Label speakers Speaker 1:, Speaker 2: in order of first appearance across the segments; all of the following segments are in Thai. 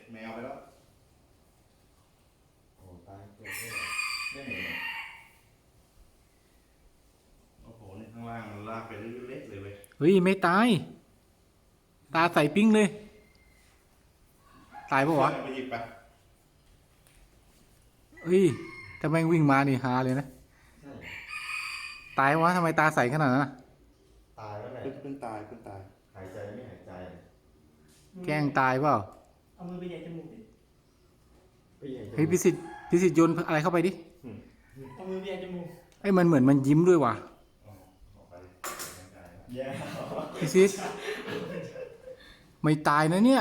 Speaker 1: แมวไปแล้ว
Speaker 2: โอ้ตายตัวนี้ไม่เห็น
Speaker 1: โอ้โหนี่ข้างล่างมันลากไปเล็กๆเลยเว้ย
Speaker 3: เฮ้ยไม่ตาย ตาใสปิ้งเลย ตายปะวะ
Speaker 1: ไปหยิบไป
Speaker 3: เฮ้ยถ้าแม่งวิ่งมานี่ฮาเลยนะ
Speaker 2: ใช่
Speaker 3: ตายวะทำไมตาใสขนาดนั้นอะ
Speaker 2: ตายแล้วแหละ
Speaker 1: เพิ่งตายเพิ่งตาย
Speaker 2: หายใจไม่หายใจ
Speaker 3: แกล้งตายเปล่า
Speaker 4: เอามือไปแย่จมูกดิ
Speaker 2: ไม่ใหญ่
Speaker 3: เฮ้ยพิสิทธิ์โยนอะไรเข้าไปดิ
Speaker 4: เอามือไปแย่จมูก
Speaker 3: ไอ้ยมันเหมือนมันยิ้มด้วยว่ะ
Speaker 1: ออกไป
Speaker 2: แย่
Speaker 3: พิสิทธิ์ไม่ตายนะเนี่ย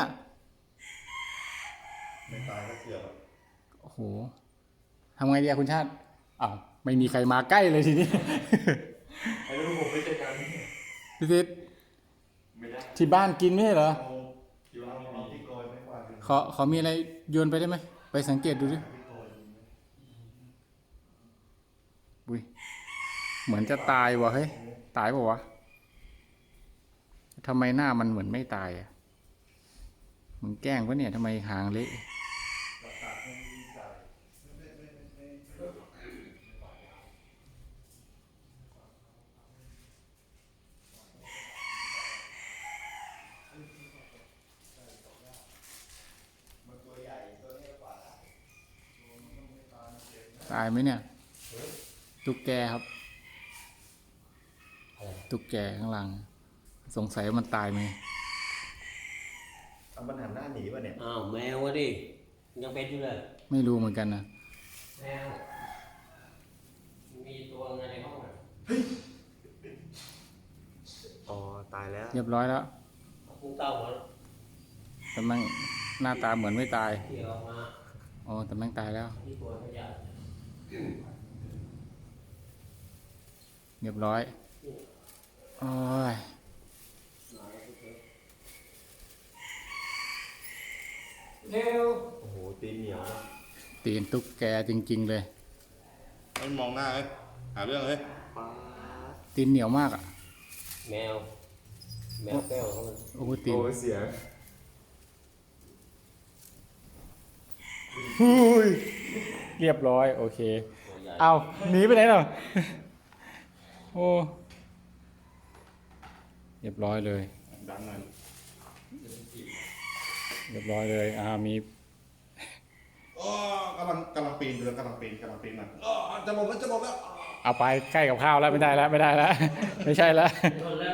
Speaker 1: ไม่ตายก็เกือบ
Speaker 3: โอ้โหทำไงดีอะคุณชาติอ้าวไม่มีใครมาใกล้เลยทีนี้
Speaker 1: ไอ้ลูกผมไม่ใช่การ
Speaker 3: พิสิทธิ์
Speaker 1: ไม่ได้
Speaker 3: ที่บ้านกินไม่ใช่เหรอ
Speaker 1: อยู่เอาที่โกยไม่กว่าถึง
Speaker 3: ขอมีอะไรโยนไปได้ไหม ไปสังเกตดูดิ
Speaker 1: ที่โกย
Speaker 3: อุ้ยเหมือนจะตายว่ะเฮ้ย ตายเปล่าวะทำไมหน้ามันเหมือนไม่ตายอ่ะมึงแกล้งปะเนี่ยทำไมหางเละตายไหมเนี่ย ตุ๊กแกครับ ตุ๊กแกข้างหลัง สงสัยว่ามันตายไหม
Speaker 2: เอามันหันหน้าหนีป่ะเนี่ย
Speaker 5: อ้าวแมวอะดิยังเป็นอยู่เลย
Speaker 3: ไม่รู้เหมือนกันนะ
Speaker 5: แมวมีตัวไงในห้องอ่ะ
Speaker 2: อ๋อตายแล้ว
Speaker 3: เรียบร้อยแล้ว
Speaker 5: พุ่งเต้าหัว
Speaker 3: แต่แม่งหน้าตาเหมือนไม่ตาย
Speaker 5: ที่ออกมา
Speaker 3: อ๋อแต่แม่งตายแล้ว
Speaker 5: ที่ตัวขยะ
Speaker 3: เรียบร้อย โอ้ย
Speaker 5: เร็ว
Speaker 2: โอ้โหตีนเหนียวนะ
Speaker 3: ตีนตุ๊กแกจริง ๆ เลย
Speaker 1: ไม่มองหน้าเลยหาเรื่องเลย
Speaker 2: ป้าด
Speaker 3: ตีนเหนียวมากอ่ะ
Speaker 5: แมวแมวแก้วเขามัน
Speaker 3: โอ้โหตีน
Speaker 2: โอ้ยเสียง
Speaker 3: หุ้ยเรียบร้อย โอเค
Speaker 5: ตัวใหญ่
Speaker 3: เอาหนีไปไหนหรอ โอ้ เรียบร้อยเลย
Speaker 1: ดังหน่อย
Speaker 3: เรียบร้อยเลยมี
Speaker 1: อ๋อกำลังปีนอยู่เลยกำลังปีนมันอ๋อจะหมดแล้ว
Speaker 3: เอาไปใกล้กับข้าวแล้วไม่ได้แล้ว ไม่ใช่แล้ว
Speaker 5: คนแรก